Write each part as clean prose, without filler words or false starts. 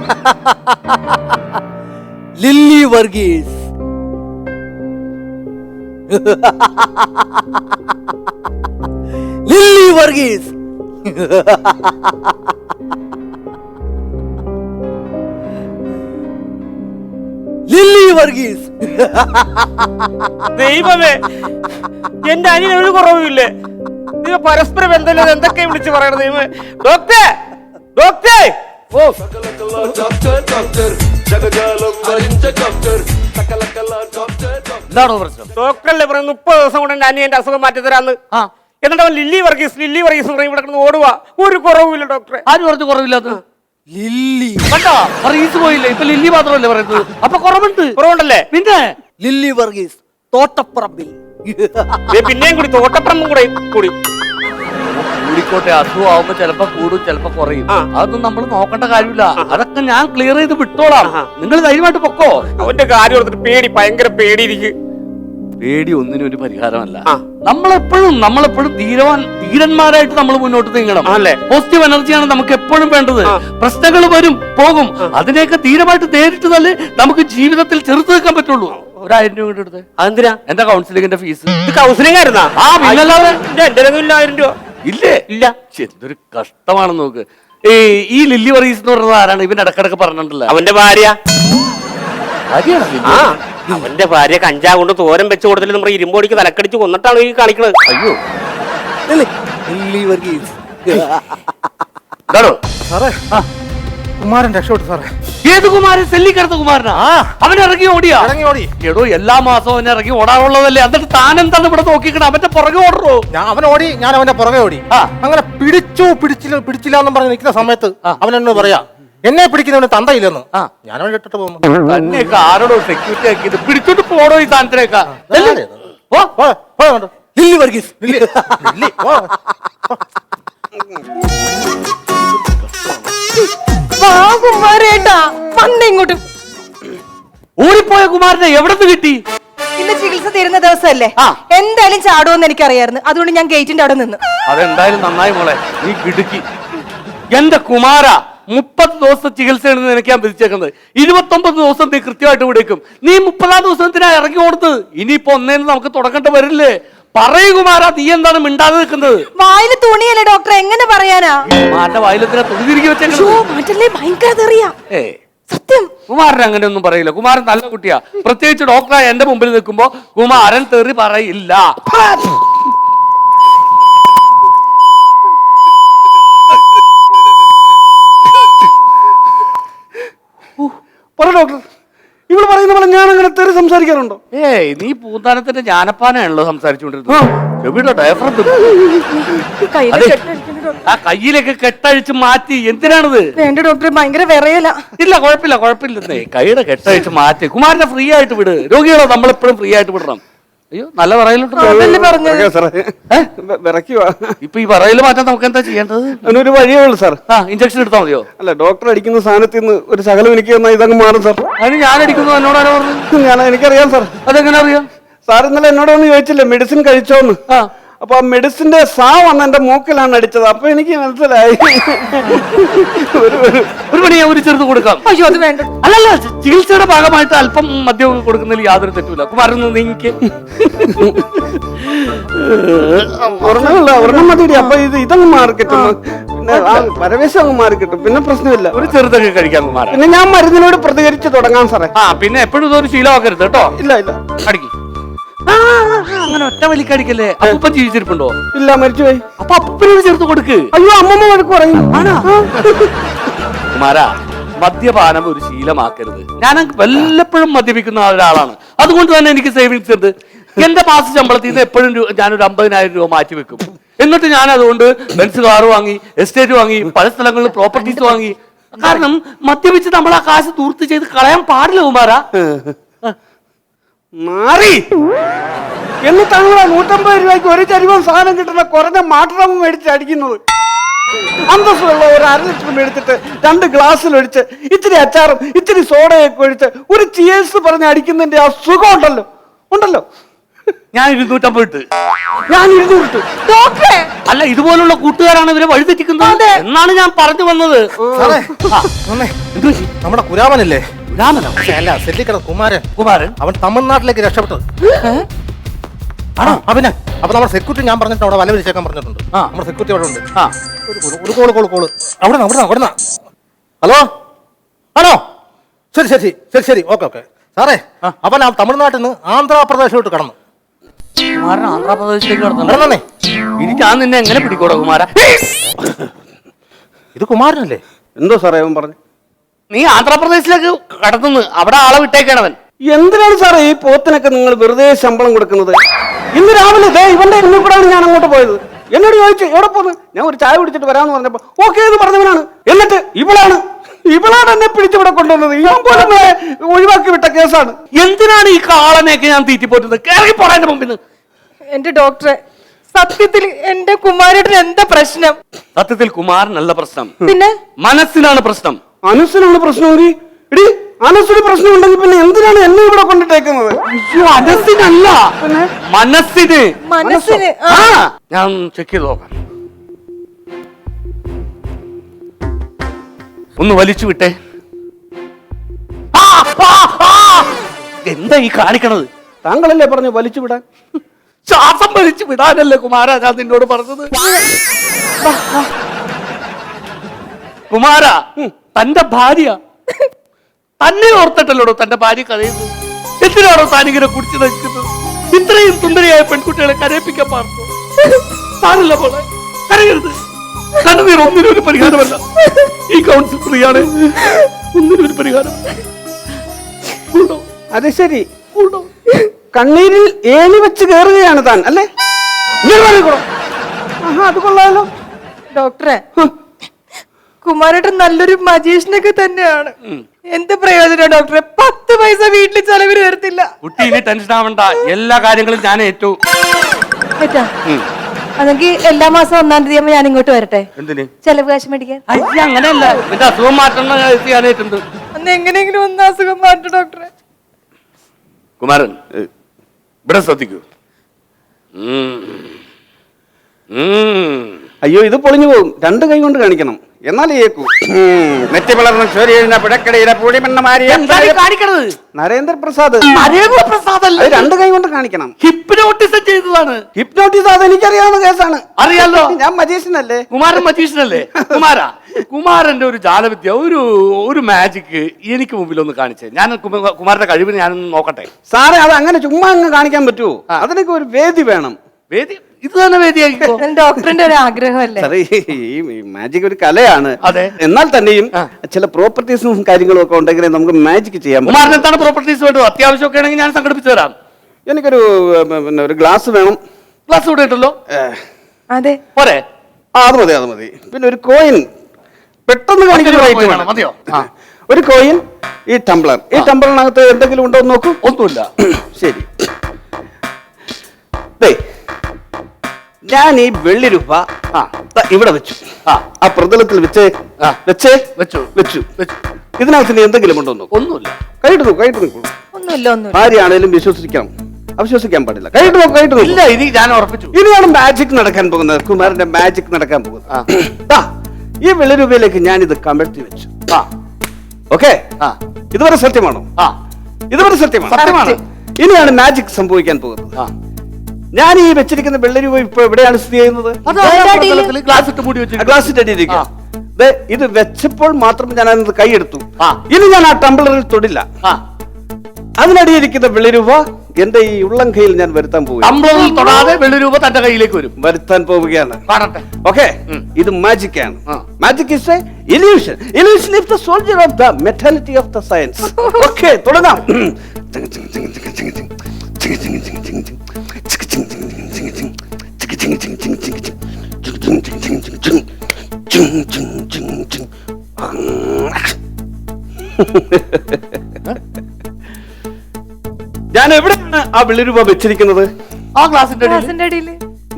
Lily Varghese. Lilly Varghese. Lilly Varghese. ദൈവമേ, എന്റെ അനിയൻ ഒരു കുറവുമില്ലേ? നിങ്ങൾ പരസ്പരം എന്തെങ്കിലും എന്തൊക്കെ വിളിച്ച് പറയണത്? ദൈവമേ, ഡോക്ടർ ഡോക്ടർ. ഓ എന്താണോ പ്രശ്നം? ഡോക്ടറല്ലേ പറയുന്നത് 30 ദിവസം കൊണ്ട് എന്റെ അനിയന്റെ അസുഖം മാറ്റി തരാന്ന്. എന്നിട്ട് അവൻ ലില്ലി വർഗീസ് പറയും ഇവിടെ കിടന്ന് ഓടുക. ഒരു കുറവുമില്ല ഡോക്ടറെ. ആര് പറഞ്ഞു കുറവില്ലാത്ത? ലില്ലി കണ്ടോ, വർഗീസ് പോയില്ല, ഇപ്പൊ ലില്ലി മാത്രമല്ലേ പറയുന്നത്. അപ്പൊ കുറവുണ്ടല്ലേ? പിന്നെ ലില്ലി വർഗീസ് തോട്ടപ്പറമ്പിൽ. പിന്നെയും കൂടി തോട്ടപ്പറമ്പും കൂടി കൂടിക്കോട്ടെ, അസുഖമാകുമ്പോ ചിലപ്പോ കൂടും ചിലപ്പോ കുറയും. അതൊന്നും നമ്മൾ നോക്കേണ്ട കാര്യമില്ല. അതൊക്കെ ഞാൻ ക്ലിയർ ചെയ്ത് വിട്ടോളാം. നിങ്ങൾ ധൈര്യമായിട്ട് പൊക്കോ. അവന്റെ കാര്യം ഓർത്തിട്ട് പേടി, ഭയങ്കര പേടിയിരിക്കും. പേടി ഒന്നിനും ഒരു പരിഹാരമല്ല. നമ്മളെപ്പോഴും ധീരന്മാരായിട്ട് നമ്മൾ മുന്നോട്ട് നീങ്ങണം. പോസിറ്റീവ് എനർജിയാണ് നമുക്ക് എപ്പോഴും വേണ്ടത്. പ്രശ്നങ്ങൾ വരും പോകും, അതിനെയൊക്കെ ധീരമായിട്ട് നേരിട്ട് തന്നെ നമുക്ക് ജീവിതത്തിൽ ചെറുത്ത് നിൽക്കാൻ പറ്റുള്ളൂ. 1000 രൂപ കൊണ്ട് എടുത്ത്. അതെന്തിനാ? എന്റെ കൗൺസിലിംഗിന്റെ ഫീസ്. കൗൺസിലിംഗ് ആയിരുന്നാ? എന്റെ 1000 രൂപ ഇല്ലേ? ഇല്ല. എന്തൊരു കഷ്ടമാണെന്ന് നോക്ക്. ഈ ലില്ലി വർഗീസ് എന്ന് പറഞ്ഞത് ആരാണ്? ഇവൻ ഇടക്കിടക്ക് പറഞ്ഞിട്ടില്ല. അവന്റെ ഭാര്യ. അവന്റെ ഭാര്യ കഞ്ചാവ് കൊണ്ട് തോരൻ വെച്ച് കൊടുത്തില്ല. നമ്മുടെ ഇരുമ്പോടിക്ക് തലക്കടിച്ച് കൊന്നിട്ടാണ് ഈ കാണിക്കണത്. അയ്യോ, ലില്ലി വർഗീസ്. കുമാരൻ രക്ഷപ്പെട്ടു സാറേ. ഏത് കുമാരൻ? സെല്ലിക്കടുത്ത കുമാരനാ? അവൻ ഇറങ്ങി ഓടി. എടോ, എല്ലാ മാസവും അവൻ ഇറങ്ങി ഓടാറുള്ളതല്ലേ. എന്നിട്ട് താൻ എന്താണ് ഇവിടെ നോക്കിക്കണം? അവന്റെ പുറകെ ഓടറോ? അവൻ ഓടി, ഞാൻ അവന്റെ പുറകെ ഓടി. അങ്ങനെ പിടിച്ചില്ല എന്നും പറഞ്ഞ് നിൽക്കുന്ന സമയത്ത് അവൻ എന്നോട് പറയാ, എന്നെ പിടിക്കുന്നവന് തന്തയില്ലെന്ന്. ഞാൻ അവൻ ഇട്ടിട്ട് പോകുന്നു. തന്നെയൊക്കെ ആരോടോ സെക്യൂരിറ്റി ആക്കിയത്? പിടിച്ചോട്ട് പോടോ ഈ സാധനത്തിനേക്കാ. ലില്ലി വർഗീസ്. ഓടിപ്പോയ കുമാരനെ എവിടന്ന് കിട്ടി? ഇന്ന് ചികിത്സ തീരുന്ന ദിവസമല്ലേ, എന്തായാലും ചാടുമെന്ന് എനിക്കറിയായിരുന്നു. അതുകൊണ്ട് ഞാൻ ഗേറ്റിന്റെ അവിടെ നിന്ന്. അതെന്തായാലും നന്നായി മോളെ, നീ കിടുക്കി. എന്റെ കുമാര, 30 ദിവസം ചികിത്സയാണ് നിനക്ക് ഞാൻ വിധിച്ചേക്കുന്നത്. 29 ദിവസം നീ കൃത്യമായിട്ട് വിടേക്കും. നീ 30-ാം ദിവസത്തിനാ ഇറങ്ങി ഓടുന്നത്. ഇനിയിപ്പോ ഒന്നേന്ന് നമുക്ക് തുടങ്ങേണ്ട വരില്ലേ? പറയൂ കുമാര, നീ എന്താണ് മിണ്ടാതെ നിൽക്കുന്നത്? വായില് തുണിയല്ലേ ഡോക്ടർ, എങ്ങനെ പറയാനാ? കുമാരന്റെ വായിലെന്തിനാ തുണി തിരികെ വെച്ചേ? സത്യം, കുമാരൻ അങ്ങനെയൊന്നും പറയില്ല. കുമാരൻ നല്ല കുട്ടിയാ. പ്രത്യേകിച്ച് ഡോക്ടറായ എന്റെ മുമ്പിൽ നിൽക്കുമ്പോ കുമാരൻ തെറി പറയില്ല. പറ ഡോക്ടർ, ഇവള് പറയുന്ന പോലെ ഞാൻ അങ്ങനെ തെറി സംസാരിക്കാറുണ്ടോ? നീ പൂന്താനത്തിന്റെ ജ്ഞാനപ്പാനാണല്ലോ സംസാരിച്ചുകൊണ്ടിരുന്നത്. ചെവിയുടെ ഡയഫ്രം ആ കയ്യിലൊക്കെ കെട്ടഴിച്ച് മാറ്റി. എന്തിനാണിത്? വേണ്ട ഡോക്ടർ, ഭയങ്കര വിറയല. ഇല്ല, കുഴപ്പമില്ലെന്നേ. കൈയുടെ കെട്ടഴിച്ച് മാറ്റി. കുമാരനെ ഫ്രീ ആയിട്ട് വിട്. രോഗികളെ നമ്മളെപ്പോഴും ഫ്രീ ആയിട്ട് വിടണം. അയ്യോ, നല്ല പറയലുണ്ടോ? ഇപ്പൊ ഈ പറയല് മാറ്റാൻ നമുക്ക് എന്താ ചെയ്യേണ്ടത്? അതിനൊരു വഴിയേ ഉള്ളൂ സാർ. ഇഞ്ചക്ഷൻ എടുത്താൽ മതിയോ? അല്ല, ഡോക്ടർ അടിക്കുന്ന സാധനത്തിൽ നിന്ന് ഒരു ശകലം എനിക്ക് തന്നാൽ ഇതങ്ങ് മാറും സാർ. അതിന് ഞാൻ അടിക്കുന്നു എന്നോടാരോ പറഞ്ഞു? എനിക്കറിയാം സാർ. അതെങ്ങനെ അറിയാം? സാർ ഇന്നലെ എന്നോട് ഒന്ന് ചോദിച്ചില്ലേ മെഡിസിൻ കഴിച്ചോന്ന്? അപ്പൊ ആ മെഡിസിന്റെ സാ വന്ന് എന്റെ മൂക്കിലാണ് അടിച്ചത്. അപ്പൊ എനിക്ക് മനസ്സിലായി. ഒരു പണി ഞാൻ ഒരു ചെറുത് കൊടുക്കാം. അയ്യോ, അത് വേണ്ട. അല്ലല്ല, ചികിത്സയുടെ ഭാഗമായിട്ട് അല്പം മദ്യം കൊടുക്കുന്നതിൽ യാതൊരു തെറ്റുമില്ല. കുമാരൻ നീങ്ങിക്ക്. ഒരെണ്ണം മതി. അപ്പൊ ഇതങ്ങ് മാറി കിട്ടും, പരവേശം അങ്ങ് മാറി കിട്ടും, പിന്നെ പ്രശ്നമില്ല. ഒരു ചെറുതൊക്കെ കഴിക്കാം കുമാരൻ. പിന്നെ ഞാൻ മരുന്നിനോട് പ്രതികരിച്ച് തുടങ്ങാം സാറേ. പിന്നെ എപ്പോഴും ഇതൊരു ശീലമാക്കരുത് കേട്ടോ. ഇല്ല, അടിക്കും. അങ്ങനെ ഒറ്റ വലിക്കടിക്കല്ലേ. അപ്പൂപ്പൻ ജീവിച്ചിരിപ്പുണ്ടോ? ഇല്ല, മരിച്ചുപോയി. അപ്പൊ അപ്പൂപ്പനോട് ചേർത്ത് കൊടുക്ക്. അയ്യോ, അമ്മമ്മ വഴക്ക് പറയും. കുമാര, മദ്യപാനം ഒരു ശീലമാക്കരുത്. ഞാൻ വല്ലപ്പോഴും മദ്യപിക്കുന്ന ഒരാളാണ്. അതുകൊണ്ട് തന്നെ എനിക്ക് സേവിങ്സ് ഉണ്ട്. എന്റെ മാസ ശമ്പളത്തിൽ നിന്ന് എപ്പോഴും ഞാനൊരു 50,000 രൂപ മാറ്റി വെക്കും. എന്നിട്ട് ഞാൻ അതുകൊണ്ട് ബെൻസ് കാറ് വാങ്ങി, എസ്റ്റേറ്റ് വാങ്ങി, പല സ്ഥലങ്ങളിൽ പ്രോപ്പർട്ടീസ് വാങ്ങി. കാരണം മദ്യപിച്ച് നമ്മൾ ആ കാശ് ദൂർത്ത് ചെയ്ത് കളയാൻ പാടില്ല കുമാര. മാറി എന്നിട്ടാണ് 150 രൂപയ്ക്ക് ഒരു ചരിവം സാധനം കിട്ടുന്ന കുറഞ്ഞ മാട്ടറം മേടിച്ച് അടിക്കുന്നത്. അന്തസ്സുള്ള ഒരു 1/2 ലിറ്റർ മേടിച്ചിട്ട് 2 ഗ്ലാസ്സിലൊഴിച്ച് ഇത്തിരി അച്ചാറും ഇത്തിരി സോഡയൊക്കെ ഒഴിച്ച് ഒരു ചിയേഴ്സ് പറഞ്ഞ് അടിക്കുന്നതിന്റെ ആ സുഖം ഉണ്ടല്ലോ. ഞാൻ 250 ഇട്ട്. ഞാൻ 200 ഇട്ടു. ഡോക്ടറെ അല്ല, ഇതുപോലുള്ള കൂട്ടുകാരാണ് ഇവരെ വഴിതെറ്റിക്കുന്നത് എന്നാണ് ഞാൻ പറഞ്ഞു വന്നത്. സാറേ, എന്ത് പറ്റി? നമ്മുടെ കുരാമനല്ലേ? രാമനോ? അല്ല, സെല്ലിക്കട കുമാരൻ. കുമാരൻ അവൻ തമിഴ്നാട്ടിലേക്ക് രക്ഷപ്പെട്ടത്. ആണോ? അവന് അപ്പൊ നമ്മുടെ സെക്യൂരിറ്റി ഞാൻ പറഞ്ഞിട്ട് അവിടെ വല വിരിച്ചേക്കാൻ പറഞ്ഞിട്ടുണ്ട്. നമ്മുടെ സെക്യൂരിറ്റി അവിടെ ഉണ്ട്. ആ, ഒരു കോള് അവിടെ. ഹലോ, ആണോ? ശരി. ഓക്കെ. സാറേ, അവൻ ആ തമിഴ്നാട്ടിൽ നിന്ന് ആന്ധ്രാപ്രദേശിലോട്ട് കടന്നു. കുമാരൻ ആന്ധ്രാപ്രദേശിലേക്ക് കടന്നു. കടന്നേ. എനിക്ക് ആ നിന്നെ എങ്ങനെ പിടിക്കൂടാ കുമാര? ഇത് കുമാരനല്ലേ? എന്തോ സാറേ അവൻ പറഞ്ഞു? നീ ആന്ധ്രാപ്രദേശിലേക്ക് കടത്തുന്നു, അവിടെ ആളെ വിട്ടേക്കണവൻ. എന്തിനാണ് സാറേ ഈ പോത്തിനൊക്കെ നിങ്ങൾ വെറുതെ ശമ്പളം കൊടുക്കുന്നത്? ഇന്ന് രാവിലെ ദേ ഇവന്റെ എന്നെ കൂടാണ് ഞാൻ അങ്ങോട്ട് പോയത്. എന്നോട് ചോദിച്ചു എവിടെ പോന്ന്? ഞാൻ ഒരു ചായ കുടിച്ചിട്ട് വരാമെന്ന് പറഞ്ഞപ്പോ ഓക്കെ എന്ന് പറഞ്ഞവനാണ്. എന്നിട്ട് ഇവളാണ് എന്നെ പിടിച്ചിവിടെ കൊണ്ടുവന്നത്. ഇവൻ പോലും ഒഴിവാക്കി വിട്ട കേസാണ്. എന്തിനാണ് ഈ കാളനെയൊക്കെ ഞാൻ തീറ്റിപ്പോറ്റുന്നത്? കേറി പോടാ മുമ്പിൽ. എന്റെ ഡോക്ടറെ, സത്യത്തിൽ എന്റെ കുമാരേട്ടന് എന്താ പ്രശ്നം? സത്യത്തിൽ കുമാരനല്ല പ്രശ്നം, പിന്നെ മനസ്സിലാണ് പ്രശ്നം. അനുസിനാണ് പ്രശ്നമെങ്കിൽ ഇടി അനുസിന് പ്രശ്നം ഉണ്ടെങ്കിൽ പിന്നെ എന്തിനാണ് എന്നെ ഇവിടെ കൊണ്ടിട്ടേക്കുന്നത്? അയ്യോ, മനസ്സിനല്ല, പിന്നെ മനസ്സിന് ഞാൻ ചെക്ക് ചെയ്ത് നോക്കാം. ഒന്ന് വലിച്ചു വിട്ടേ. എന്താ ഈ കാണിക്കണത്? താങ്കളല്ലേ പറഞ്ഞു വലിച്ചു വിടാൻ? ശ്വാസം വലിച്ചു വിടാനല്ലേ കുമാര ഞാൻ നിന്നോട് പറഞ്ഞത്? കുമാര, തന്റെ ഭാര്യ തന്നെ ഓർത്തിട്ടല്ലോടോ തന്റെ ഭാര്യ കരയുന്നത്. എന്തിനാണോ താനിങ്ങനെ കുടിച്ചു നശിക്കുന്നത്? ഇത്രയും സുന്ദരിയായ പെൺകുട്ടികളെ കരയിപ്പിക്കാൻ പാർന്നു. താനല്ല പോലെ കരയരുത്. കണ്ണുനീർ ഒന്നിനും ഒരു പരിഹാരമല്ല. ഈ കൗൺസിൽ ഫ്രീയാണ്, ഒന്നിനും ഒരു പരിഹാരം. അത് ശരി, കണ്ണീരിൽ ഏണി വെച്ച് കയറുകയാണ് താൻ അല്ലേ? അത് കൊള്ളാലോ ഡോക്ടറെ. കുമാരേട്ടൻ നല്ലൊരു മജീഷ്യനൊക്കെ തന്നെയാണ്. എന്ത് പ്രയോജനം ഡോക്ടറെ? 10 പൈസ വീട്ടിൽ ചെലവിന് വരത്തില്ല. കുട്ടി ഇനി ടെൻഷൻ ആവണ്ട, എല്ലാ കാര്യങ്ങളും ഞാൻ ഏറ്റു. അതെങ്കിൽ എല്ലാ മാസം 1-ാം തീയതി ആകുമ്പോ ഞാൻ ഇങ്ങോട്ട് വരട്ടെ. എന്തിന്? ചെലവ് കാശ് മേടിക്കാൻ. അയ്യ, അങ്ങനെയല്ല, എന്റെ അസുഖം മാറ്റുന്ന ചെയ്യാനായിട്ടുണ്ട്. അന്ന് എങ്ങനെയെങ്കിലും ഒന്ന് അസുഖം മാറ്റും ഡോക്ടറെ. കുമാരൻ, ഇവിടെ ശ്രദ്ധിക്കൂ. അയ്യോ ഇത് പൊളിഞ്ഞു പോകും. 2 കൈ കൊണ്ട് കാണിക്കണം, എന്നാലേ ഏക്കൂ. നെറ്റി വളർന്ന ചോരിയുന്ന പുഴക്കടയിലെ പൂടിമണ്ണമാരിയ കാണിക്കണത് നരേന്ദ്രപ്രസാദ്. നരേന്ദ്രപ്രസാദ് അല്ല, 2 കൈ കൊണ്ട് കാണിക്കണം. ഹിപ്നോട്ടിസം ചെയ്തതാണ്. ഹിപ്നോട്ടിസ് അത് എനിക്കറിയാവുന്ന കേസാണ്. അറിയാലോ, ഞാൻ മജീഷ്യനല്ലേ? കുമാരൻ മജീഷ്യനല്ലേ? കുമാരന്റെ ഒരു ജാലവിദ്യ, ഒരു മാജിക് എനിക്ക് മുമ്പിൽ ഒന്ന് കാണിച്ചേ. ഞാൻ കുമാരന്റെ കഴിവിന് ഞാനൊന്ന് നോക്കട്ടെ. സാറേ, അത് അങ്ങനെ ചുമ്മാ അങ്ങ് കാണിക്കാൻ പറ്റുമോ? അതിനൊക്കെ ഒരു വേദി വേണം. വേദി? ഇത് തന്നെ വേദിയാക്കിക്കോ. ഡോക്ടറിന്റെ ഒരു ആഗ്രഹമല്ലേ? സാറേ, ഈ മാജിക് ഒരു കലയാണ്. അതെ. എന്നാൽ തന്നെയും ചില പ്രോപ്പർട്ടീസും കാര്യങ്ങളും ഒക്കെ ഉണ്ടെങ്കിൽ നമുക്ക് മാജിക് ചെയ്യാൻ പറ്റും. കുമാരൻ എന്താണ് പ്രോപ്പർട്ടീസ് വേണ്ടത്? അത്യാവശ്യമൊക്കെ ആണെങ്കിൽ ഞാൻ സംഘടിപ്പിച്ചു തരാം. എനിക്കൊരു പിന്നെ ഒരു ഗ്ലാസ് വേണം. ഗ്ലാസ് ഇവിടെ ഇട്ടല്ലോ. അതെ, പോരെ? അത് മതി. പിന്നെ ഒരു കോയിൻ പെട്ടെന്ന് കാണിക്കുന്ന മതിയോ? ഒരു കോയിൻ. ഈ ടംബ്ലർ. ഈ ടംബ്ലറിനകത്ത് എന്തെങ്കിലും ഉണ്ടോ എന്ന് നോക്കൂ. ഒന്നുമില്ല. ശരി. ഞാൻ ഈ വെള്ളി രൂപ ഇവിടെ വെച്ചു. ആ പ്രതലത്തിൽ വെച്ച് വെച്ചു. ഇതിനകത്ത് ഇനി എന്തെങ്കിലും ഉണ്ടോ? ഒന്നുമില്ല. കൈയിട്ട് നോക്കൂ. ഒന്നുമില്ല. ആരെയാണേലും അവിശ്വസിക്കാൻ പാടില്ല. കൈയിട്ട് നോക്കൂ. ഇല്ല, ഇനി ഞാൻ ഉറപ്പിച്ചു. ഇനിയാണ് മാജിക് നടക്കാൻ പോകുന്നത്. കുമാരന്റെ മാജിക് നടക്കാൻ പോകുന്നത്. ഈ വെള്ളി രൂപയിലേക്ക് ഞാൻ ഇത് കമഴ്ത്തി വെച്ചു. ഓക്കെ, ഇതുവരെ സത്യമാണോ? ഇതുവരെ സത്യമാണ്. ഇനിയാണ് മാജിക് സംഭവിക്കാൻ പോകുന്നത്. ഞാൻ ഈ വെച്ചിരിക്കുന്ന വെള്ളി രൂപ ഇപ്പൊ എവിടെയാണ് സ്ഥിതി ചെയ്യുന്നത്? ഗ്ലാസിന്റെ അടിയിലിരിക്കുക. ഇത് വെച്ചപ്പോൾ മാത്രം ഞാൻ അതിനകത്ത് കൈയെടുത്തു. ഇനി ഞാൻ ആ ടംബ്ലറിൽ തൊടില്ല. അതിനടിയിരിക്കുന്ന വെള്ളി രൂപ എന്റെ ഈ ഉള്ളം കയ്യിൽ ഞാൻ വരുത്താൻ പോവുകയാണ്. ടംബ്ലറിൽ തൊടാതെ വെള്ളി രൂപ തന്റെ കയ്യിലേക്ക് വരുത്താൻ പോവുകയാണ്. ഓക്കെ, ഇത് മാജിക് ആണ്. Magic is a illusion. Illusion is the soldier of the mentality of the science. Okay, തുടങ്ങാം. ഞാൻ എവിടെയാണ് ആ വെള്ളി രൂപ വെച്ചിരിക്കുന്നത്? ആ ഗ്ലാസിന്റെ അടിയിൽ.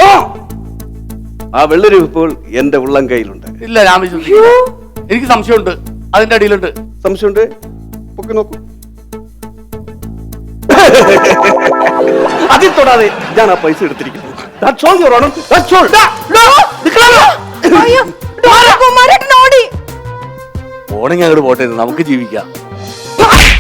ആ വെള്ളി രൂപ ഇപ്പോൾ എന്റെ ഉള്ളം കയ്യിലുണ്ട്. ഇല്ല, ഞാൻ എനിക്ക് സംശയമുണ്ട്. അതിന്റെ അടിയിലുണ്ട്. സംശയമുണ്ട്? പൊക്കി നോക്കൂ. അതിൽ തൊടാതെ ഞാൻ ആ പൈസ എടുത്തിരിക്കുന്നു. That's all, Your Honor. That's all. അയ്യോ, ഡോക്ടർ കുമാരേട്ടൻ ഓടി. പോണെങ്കിൽ അങ്ങോട്ട് പോട്ടെ, നമുക്ക് ജീവിക്കാം.